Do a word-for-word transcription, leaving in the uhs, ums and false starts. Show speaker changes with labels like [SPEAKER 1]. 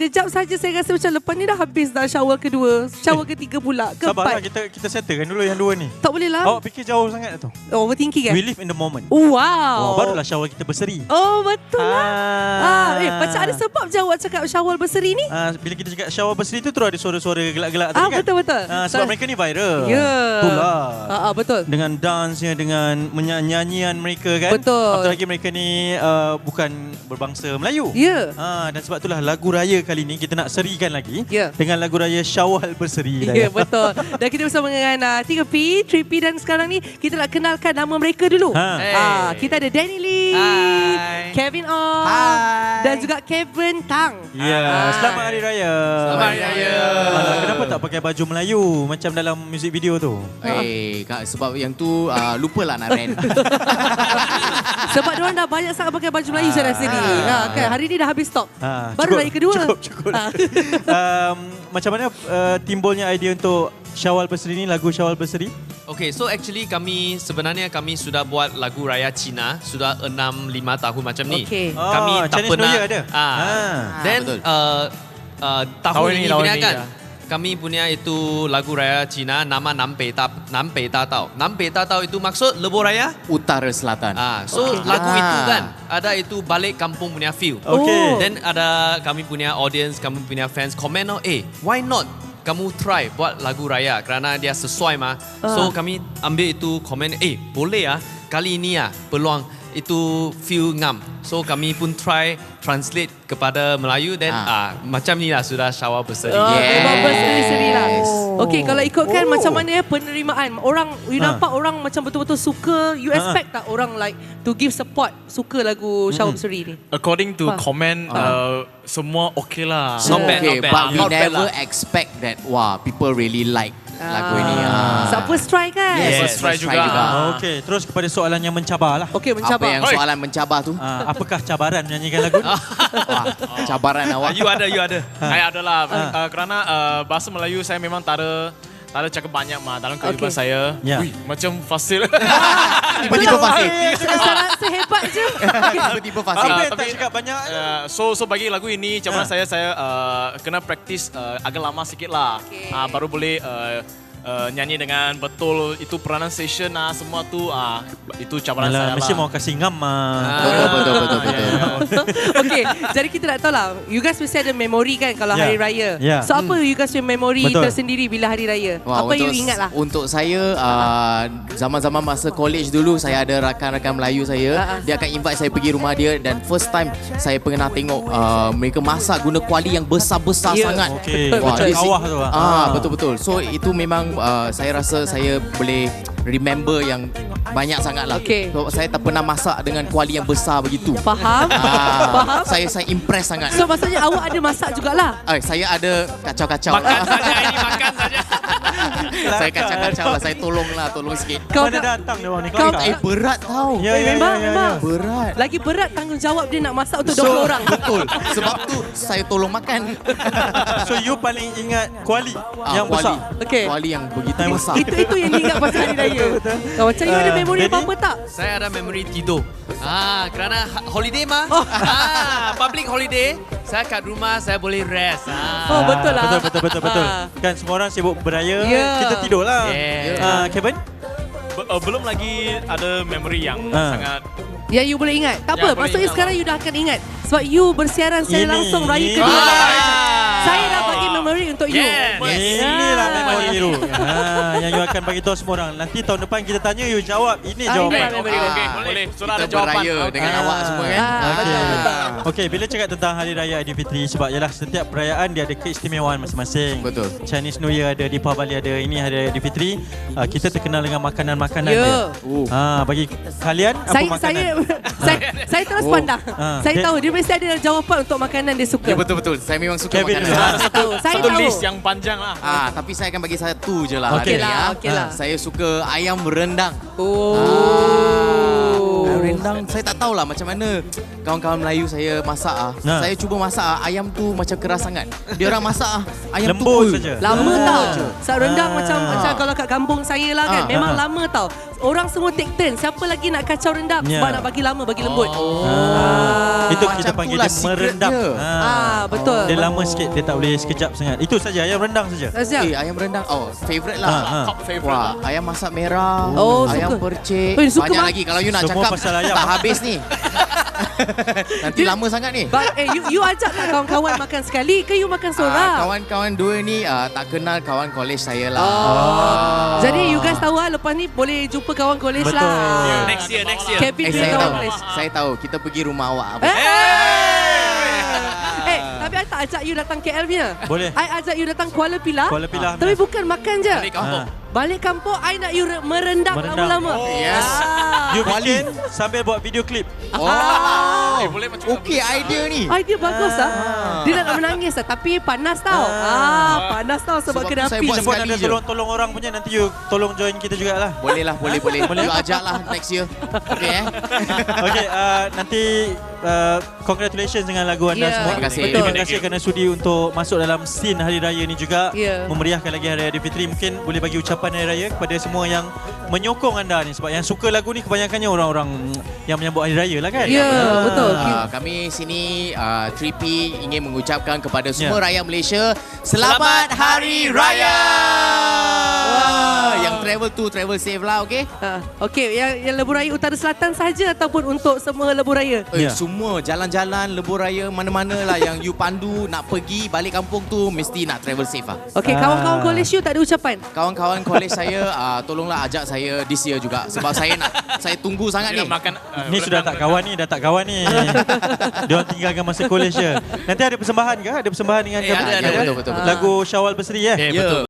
[SPEAKER 1] sekejap saja saya rasa macam lepas ni dah habis dah shower kedua. Shower eh, ketiga pula.
[SPEAKER 2] Sabarlah,
[SPEAKER 1] Keempat.
[SPEAKER 2] kita kita settlekan dulu yang dua ni.
[SPEAKER 1] Tak boleh lah.
[SPEAKER 2] Awak fikir jauh sangat tu.
[SPEAKER 1] Oh, overthinking kan?
[SPEAKER 2] We live in the moment.
[SPEAKER 1] Oh,
[SPEAKER 2] Oh,
[SPEAKER 1] wow.
[SPEAKER 2] barulah shower kita berseri.
[SPEAKER 1] Oh, betul lah.
[SPEAKER 2] Ah.
[SPEAKER 1] Ah, eh, macam ada sebab je awak cakap shower berseri ni?
[SPEAKER 2] Ah, bila kita cakap shower berseri tu terus ada suara-suara gelak-gelak
[SPEAKER 1] Ah,
[SPEAKER 2] tadi kan?
[SPEAKER 1] betul-betul.
[SPEAKER 2] Ah, sebab mereka ni viral.
[SPEAKER 1] Ya. Yeah.
[SPEAKER 2] Itulah.
[SPEAKER 1] Ah, ah, betul.
[SPEAKER 2] Dengan dance-nya, dengan menyanyian mereka kan.
[SPEAKER 1] Betul.
[SPEAKER 2] Apatah lagi mereka ni uh, bukan berbangsa Melayu.
[SPEAKER 1] Ya.
[SPEAKER 2] Ah, dan sebab itulah lagu raya kali ni kita nak serikan lagi
[SPEAKER 1] Ya.
[SPEAKER 2] dengan lagu raya Syawal Berseri.
[SPEAKER 1] Ya, betul. Dan kita bersama dengan uh, tiga P, tiga P dan sekarang ni kita nak kenalkan nama mereka dulu.
[SPEAKER 2] Ha.
[SPEAKER 3] Hey.
[SPEAKER 1] Ah, kita ada Danny Lee,
[SPEAKER 3] Hai.
[SPEAKER 1] Kevin Ong,
[SPEAKER 3] Hai.
[SPEAKER 1] dan juga Kevin Tang.
[SPEAKER 2] Ya,
[SPEAKER 1] Ah.
[SPEAKER 2] selamat Hari Raya.
[SPEAKER 3] Selamat Hari Raya.
[SPEAKER 2] Alah, kenapa tak pakai baju Melayu macam dalam music video tu?
[SPEAKER 3] Eh, kak, sebab yang tu uh, lupalah nak rent.
[SPEAKER 1] Sebab diorang dah banyak sangat pakai baju Melayu saya rasa ni. Ha, kan? Hari ni dah habis stok.
[SPEAKER 2] Ha,
[SPEAKER 1] Baru
[SPEAKER 2] cukup,
[SPEAKER 1] raya kedua.
[SPEAKER 2] Cukup, cukup.
[SPEAKER 1] Ah.
[SPEAKER 2] um, macam mana uh, timbulnya idea untuk Syawal Berseri ni, lagu Syawal Berseri?
[SPEAKER 4] Okay, so actually kami sebenarnya kami sudah buat lagu raya Cina sudah enam lima tahun macam ni.
[SPEAKER 1] Okay.
[SPEAKER 4] Kami
[SPEAKER 2] Oh,
[SPEAKER 4] tak
[SPEAKER 2] Chinese
[SPEAKER 4] pernah.
[SPEAKER 2] New Year ada?
[SPEAKER 4] Ah.
[SPEAKER 2] Ah,
[SPEAKER 4] Then
[SPEAKER 3] betul.
[SPEAKER 4] uh, uh, tahun,
[SPEAKER 5] Tahun
[SPEAKER 4] ini,
[SPEAKER 5] ini, tahun
[SPEAKER 4] punya
[SPEAKER 5] ini,
[SPEAKER 4] kan.
[SPEAKER 5] ya.
[SPEAKER 4] Kami punya itu lagu raya Cina nama Nampei Ta Nampei Ta Tau. Nampei Ta Tau itu maksud lebuh raya.
[SPEAKER 3] Utara Selatan.
[SPEAKER 4] Ah, so
[SPEAKER 1] Okay.
[SPEAKER 4] lagu
[SPEAKER 3] Ah.
[SPEAKER 4] itu kan ada itu balik kampung punya feel.
[SPEAKER 2] Okay.
[SPEAKER 1] Oh.
[SPEAKER 4] Then ada kami punya audience, kami punya fans komen, oh, eh, why not kamu try buat lagu raya kerana dia sesuai mah. So
[SPEAKER 1] Ah.
[SPEAKER 4] kami ambil itu komen, eh, boleh ah kali ini ah peluang itu feel ngam. So kami pun try translate kepada Melayu dan
[SPEAKER 3] Ah.
[SPEAKER 4] ah macam ni lah sudah Syawal Berseri.
[SPEAKER 1] Oh,
[SPEAKER 3] Yes.
[SPEAKER 1] yes. Berseri-seri lah.
[SPEAKER 3] Oh.
[SPEAKER 1] Okey, kalau ikutkan
[SPEAKER 3] Oh.
[SPEAKER 1] macam mana ya penerimaan. Orang, you
[SPEAKER 2] Ha.
[SPEAKER 1] nampak orang macam betul-betul suka. You
[SPEAKER 2] Ha.
[SPEAKER 1] expect tak orang like to give support, suka lagu Syawal Berseri ni?
[SPEAKER 5] According to
[SPEAKER 1] Wah.
[SPEAKER 5] comment, uh, semua okay lah.
[SPEAKER 4] Not bad,
[SPEAKER 3] Okay,
[SPEAKER 4] not bad.
[SPEAKER 3] but we
[SPEAKER 4] Not bad
[SPEAKER 3] never
[SPEAKER 4] lah.
[SPEAKER 3] expect that, wah, people really like lagu ini. Ah.
[SPEAKER 1] So, first try kan?
[SPEAKER 3] Yes,
[SPEAKER 5] First try
[SPEAKER 3] first
[SPEAKER 5] juga.
[SPEAKER 3] try juga.
[SPEAKER 2] Ah, Okey, terus kepada soalan yang mencabar lah.
[SPEAKER 1] Okey,
[SPEAKER 3] Apa
[SPEAKER 1] mencabar.
[SPEAKER 3] yang
[SPEAKER 5] Oi.
[SPEAKER 3] soalan mencabar tu?
[SPEAKER 2] Ah, apakah cabaran menyanyikan lagu ni?
[SPEAKER 3] Wah, cabaran
[SPEAKER 4] Ah,
[SPEAKER 3] awak.
[SPEAKER 4] you ada, you ada.
[SPEAKER 5] Saya adalah uh, kerana uh, bahasa Melayu saya memang tak ada tak ada cakap banyak mah dalam kehidupan
[SPEAKER 1] Okay.
[SPEAKER 5] saya.
[SPEAKER 2] Ya.
[SPEAKER 5] Ui, macam fasil.
[SPEAKER 3] Tiba-tiba fasih.
[SPEAKER 1] Saya rasa hebat je.
[SPEAKER 3] Tiba-tiba fasih.
[SPEAKER 2] Apa
[SPEAKER 5] Ah,
[SPEAKER 2] yang tak
[SPEAKER 5] tapi-
[SPEAKER 2] cakap banyak?
[SPEAKER 5] Uh, so so bagi lagu ini macam mana
[SPEAKER 2] Ah.
[SPEAKER 5] saya saya uh, kena praktis uh, agak lama sikit lah.
[SPEAKER 1] Okay.
[SPEAKER 5] Uh, baru boleh uh, uh, nyanyi dengan betul itu pronunciation ah semua tu ah itu cabaran
[SPEAKER 2] Alah,
[SPEAKER 5] saya
[SPEAKER 2] mesti
[SPEAKER 5] lah.
[SPEAKER 2] mau kasih ngam ah.
[SPEAKER 3] Betul, betul, betul, betul.
[SPEAKER 1] Okey, jadi kita nak tahu lah. You guys mesti ada memori kan kalau
[SPEAKER 2] Ya.
[SPEAKER 1] hari raya.
[SPEAKER 2] Ya.
[SPEAKER 1] So apa you guys punya memori
[SPEAKER 2] Betul.
[SPEAKER 1] tersendiri bila hari raya?
[SPEAKER 3] Wah,
[SPEAKER 1] Apa
[SPEAKER 3] untuk,
[SPEAKER 1] you ingat lah?
[SPEAKER 3] Untuk saya, uh, zaman-zaman masa college dulu, saya ada rakan-rakan Melayu saya.
[SPEAKER 1] Ah, ah.
[SPEAKER 3] Dia akan invite saya pergi rumah dia dan first time saya pernah tengok uh, mereka masak guna kuali yang besar-besar
[SPEAKER 1] Ya.
[SPEAKER 3] sangat.
[SPEAKER 2] Okey,
[SPEAKER 3] Wah,
[SPEAKER 2] macam
[SPEAKER 3] di-
[SPEAKER 2] kawah tu ah.
[SPEAKER 3] Ah, betul-betul. So itu memang uh, saya rasa saya boleh remember yang banyak sangat lah.
[SPEAKER 1] Okey.
[SPEAKER 3] So, saya tak pernah masak dengan kuali yang besar begitu.
[SPEAKER 1] Faham?
[SPEAKER 3] Ah,
[SPEAKER 1] Faham?
[SPEAKER 3] saya saya impress sangat.
[SPEAKER 1] So maksudnya awak ada masak jugalah?
[SPEAKER 3] Eh, saya ada kacau-kacau.
[SPEAKER 4] Makan saja ini, makan saja.
[SPEAKER 3] Saya kacau-kacau lah. Saya tolong lah, tolong sikit.
[SPEAKER 1] Kau
[SPEAKER 2] Mana
[SPEAKER 1] nak,
[SPEAKER 2] datang dia orang ni?
[SPEAKER 1] Kau-
[SPEAKER 2] Kelakar.
[SPEAKER 3] Eh, berat tau.
[SPEAKER 2] Ya,
[SPEAKER 1] eh,
[SPEAKER 2] ya,
[SPEAKER 1] memang,
[SPEAKER 2] ya, ya,
[SPEAKER 1] memang.
[SPEAKER 2] ya.
[SPEAKER 3] Berat.
[SPEAKER 1] Lagi berat tanggungjawab dia nak masak untuk
[SPEAKER 3] So,
[SPEAKER 1] dua puluh orang.
[SPEAKER 3] Betul. Sebab tu saya tolong makan.
[SPEAKER 2] So you paling ingat kuali
[SPEAKER 3] Ah,
[SPEAKER 2] yang
[SPEAKER 3] kuali.
[SPEAKER 2] besar?
[SPEAKER 1] Okey.
[SPEAKER 3] Kuali yang begitu
[SPEAKER 2] Time-
[SPEAKER 3] besar.
[SPEAKER 1] Itu itu yang diingat pasal hari raya. Kau macam you ada
[SPEAKER 2] Ah,
[SPEAKER 1] memori
[SPEAKER 2] Danny?
[SPEAKER 1] apa-apa tak?
[SPEAKER 4] Saya ada memori tidur. Ah, kerana ha- holiday mah. Ah, public holiday. Saya kat rumah, saya boleh rest. Ah.
[SPEAKER 1] Oh, betul lah.
[SPEAKER 2] Betul, betul, betul, betul.
[SPEAKER 1] Ah.
[SPEAKER 2] Kan semua orang sibuk beraya,
[SPEAKER 1] Ya.
[SPEAKER 2] kita tidur lah.
[SPEAKER 4] Yeah.
[SPEAKER 2] Ah, Kevin?
[SPEAKER 5] Be- uh, belum lagi ada memory yang
[SPEAKER 2] Ah.
[SPEAKER 5] sangat
[SPEAKER 1] Ya, you boleh ingat. Tak
[SPEAKER 5] Ya,
[SPEAKER 1] apa,
[SPEAKER 5] boleh
[SPEAKER 1] maksudnya
[SPEAKER 5] ingat
[SPEAKER 1] sekarang you dah akan ingat. Sebab you bersiaran secara
[SPEAKER 2] Ini-
[SPEAKER 1] langsung raya
[SPEAKER 2] ini-
[SPEAKER 1] kedua.
[SPEAKER 4] Ah.
[SPEAKER 1] Saya dah bagi memori untuk you.
[SPEAKER 4] Yes.
[SPEAKER 2] Inilah
[SPEAKER 1] Ya.
[SPEAKER 2] memori you. Ah, yang you akan bagi tahu semua orang. Nanti tahun depan kita tanya, you jawab. Ini
[SPEAKER 1] Ah,
[SPEAKER 2] jawapan.
[SPEAKER 1] inilah memori.
[SPEAKER 5] okey,
[SPEAKER 1] Ah.
[SPEAKER 5] boleh. Sudah
[SPEAKER 3] Kita
[SPEAKER 5] ada jawapan.
[SPEAKER 3] beraya dengan
[SPEAKER 2] Ah.
[SPEAKER 3] awak semua kan.
[SPEAKER 1] Ah,
[SPEAKER 2] Okey.
[SPEAKER 1] betul.
[SPEAKER 2] Okey, bila cakap tentang Hari Raya Aidilfitri, sebab ialah setiap perayaan dia ada keistimewaan masing-masing.
[SPEAKER 3] Betul.
[SPEAKER 2] Chinese New Year ada, Deepavali ada, ini Hari Aidilfitri. Uh, kita terkenal dengan makanan-makanan
[SPEAKER 1] Ya.
[SPEAKER 2] dia.
[SPEAKER 3] Oh.
[SPEAKER 2] Ah, bagi kalian apa
[SPEAKER 1] Saya,
[SPEAKER 2] makanan?
[SPEAKER 1] saya, saya, saya terus
[SPEAKER 3] Oh.
[SPEAKER 1] pandang.
[SPEAKER 2] Ah.
[SPEAKER 1] Saya
[SPEAKER 2] Dia-
[SPEAKER 1] tahu dia mesti ada jawapan untuk makanan dia suka.
[SPEAKER 3] Ya, betul-betul. Saya memang suka
[SPEAKER 2] Kevin
[SPEAKER 3] makanan.
[SPEAKER 2] dulu.
[SPEAKER 1] Ah, saya tahu. Saya
[SPEAKER 5] Satu
[SPEAKER 1] tahu.
[SPEAKER 5] list yang panjang lah.
[SPEAKER 3] Ah, tapi saya akan bagi satu je lah
[SPEAKER 2] Okey
[SPEAKER 3] hari
[SPEAKER 1] lah,
[SPEAKER 3] ni. ah.
[SPEAKER 1] okey lah.
[SPEAKER 3] Saya suka ayam rendang.
[SPEAKER 1] Oh.
[SPEAKER 3] Ah, rendang saya tak tahulah macam mana kawan-kawan Melayu saya masak ah.
[SPEAKER 2] Nah.
[SPEAKER 3] Saya cuba masak ah, ayam tu macam keras sangat. Dia orang masak ah, ayam
[SPEAKER 2] Lembut
[SPEAKER 3] tu
[SPEAKER 2] saja.
[SPEAKER 1] Lama
[SPEAKER 3] Lembut
[SPEAKER 1] tau.
[SPEAKER 3] je.
[SPEAKER 1] Saat rendang
[SPEAKER 2] Ah.
[SPEAKER 1] macam macam kalau kat kampung saya lah kan.
[SPEAKER 3] Ah.
[SPEAKER 1] Memang
[SPEAKER 2] Ah.
[SPEAKER 1] lama tau. Orang semua take turn. Siapa lagi nak kacau rendang?
[SPEAKER 2] Ya.
[SPEAKER 1] Sebab nak bagi lama, bagi lembut.
[SPEAKER 3] Oh.
[SPEAKER 1] Ah.
[SPEAKER 2] Itu
[SPEAKER 3] Macam
[SPEAKER 2] kita panggil
[SPEAKER 3] itulah
[SPEAKER 2] dia
[SPEAKER 3] secret
[SPEAKER 2] merendam.
[SPEAKER 3] dia.
[SPEAKER 1] Ah, betul.
[SPEAKER 2] Dia lama sikit, dia tak boleh sekejap sangat. Itu saja, ayam rendang saja.
[SPEAKER 1] Siap.
[SPEAKER 3] Eh, ayam rendang. Oh, favourite
[SPEAKER 2] Ha,
[SPEAKER 3] lah.
[SPEAKER 2] ha.
[SPEAKER 5] Top favourite.
[SPEAKER 3] Wah, ayam masak merah,
[SPEAKER 1] Oh,
[SPEAKER 3] ayam
[SPEAKER 1] suka.
[SPEAKER 3] percik.
[SPEAKER 1] Eh, suka
[SPEAKER 3] Banyak
[SPEAKER 1] bang.
[SPEAKER 3] lagi kalau you nak
[SPEAKER 2] Semua
[SPEAKER 3] cakap
[SPEAKER 2] pasal ayam.
[SPEAKER 3] tak habis ni. Nanti lama sangat ni.
[SPEAKER 1] But, eh, you, you ajak tak kawan-kawan makan sekali ke you makan
[SPEAKER 3] Ah,
[SPEAKER 1] seorang?
[SPEAKER 3] kawan-kawan dua ni ah, tak kenal kawan college saya lah.
[SPEAKER 1] Oh. Jadi you guys tahu lah lepas ni boleh jumpa kawan college
[SPEAKER 2] Betul.
[SPEAKER 1] lah.
[SPEAKER 4] Next year, next year.
[SPEAKER 1] Kevin
[SPEAKER 3] Eh,
[SPEAKER 1] punya
[SPEAKER 3] saya
[SPEAKER 1] kawan
[SPEAKER 3] tahu.
[SPEAKER 1] college.
[SPEAKER 3] Saya tahu. Kita pergi rumah awak.
[SPEAKER 1] Eh, eh, tapi I tak ajak you datang K L punya.
[SPEAKER 2] Boleh.
[SPEAKER 1] I ajak you datang Kuala Pilah.
[SPEAKER 2] Kuala Pilah.
[SPEAKER 1] Tapi bukan makan je.
[SPEAKER 5] Balik kampung.
[SPEAKER 2] Ha.
[SPEAKER 1] Balik kampung, I nak you re- merendang,
[SPEAKER 2] Merendang.
[SPEAKER 1] lama-lama.
[SPEAKER 5] Oh,
[SPEAKER 3] yes.
[SPEAKER 1] Ah.
[SPEAKER 2] You
[SPEAKER 3] Kuali.
[SPEAKER 2] bikin sambil buat video klip.
[SPEAKER 3] Oh.
[SPEAKER 5] Eh, boleh macam
[SPEAKER 3] Okey idea ni.
[SPEAKER 1] Idea bagus ah. Dia nak menangis ah, tapi panas tau. Ah, panas tau sebab,
[SPEAKER 3] Sebab
[SPEAKER 1] kena
[SPEAKER 3] tu saya
[SPEAKER 1] api.
[SPEAKER 3] buat
[SPEAKER 2] Kita pun
[SPEAKER 3] sekali
[SPEAKER 2] ada
[SPEAKER 3] je.
[SPEAKER 2] tolong-tolong orang punya, nanti you tolong join kita jugalah.
[SPEAKER 3] Boleh lah, boleh, boleh. Boleh. You ajak lah next year. Okey eh.
[SPEAKER 2] Okey, uh, nanti uh, congratulations dengan lagu anda
[SPEAKER 1] Ya,
[SPEAKER 2] semua.
[SPEAKER 3] terima kasih.
[SPEAKER 1] betul.
[SPEAKER 2] Terima kasih kerana sudi untuk masuk dalam scene Hari Raya ni juga.
[SPEAKER 1] Ya.
[SPEAKER 2] Memeriahkan lagi Hari Raya Fitri. Mungkin boleh bagi ucapan Hari Raya kepada semua yang menyokong anda ni. Sebab yang suka lagu ni kebanyakannya orang-orang yang menyambut Hari Raya lah kan?
[SPEAKER 1] Ya, betul.
[SPEAKER 3] Ah, kami sini uh, three P ingin mengucapkan kepada semua
[SPEAKER 2] Ya.
[SPEAKER 3] rakyat Malaysia Selamat Hari Raya. Wah, yang travel tu travel safe lah, okey?
[SPEAKER 1] Ah, okey, yang, yang lebuh raya utara selatan sahaja ataupun untuk semua lebuh raya?
[SPEAKER 3] Eh,
[SPEAKER 2] Ya.
[SPEAKER 3] semua jalan-jalan lebuh raya mana-mana lah yang you pandu nak pergi balik kampung tu mesti nak travel safe lah.
[SPEAKER 1] Okey,
[SPEAKER 2] Ah.
[SPEAKER 1] kawan-kawan college you tak ada ucapan?
[SPEAKER 3] Kawan-kawan college saya uh, tolonglah ajak saya this year juga sebab saya nak saya tunggu sangat
[SPEAKER 5] Dia
[SPEAKER 3] ni.
[SPEAKER 5] makan uh,
[SPEAKER 2] Ni sudah tak kawan ni, dah tak kawan ni. Dia orang tinggalkan masa college je. Nanti ada persembahan ke? Ada persembahan dengan
[SPEAKER 4] Eh, ada,
[SPEAKER 2] Kevin?
[SPEAKER 4] ada,
[SPEAKER 3] betul, betul, betul.
[SPEAKER 2] Lagu Syawal Berseri eh?
[SPEAKER 4] Eh,
[SPEAKER 3] Ya.
[SPEAKER 4] betul.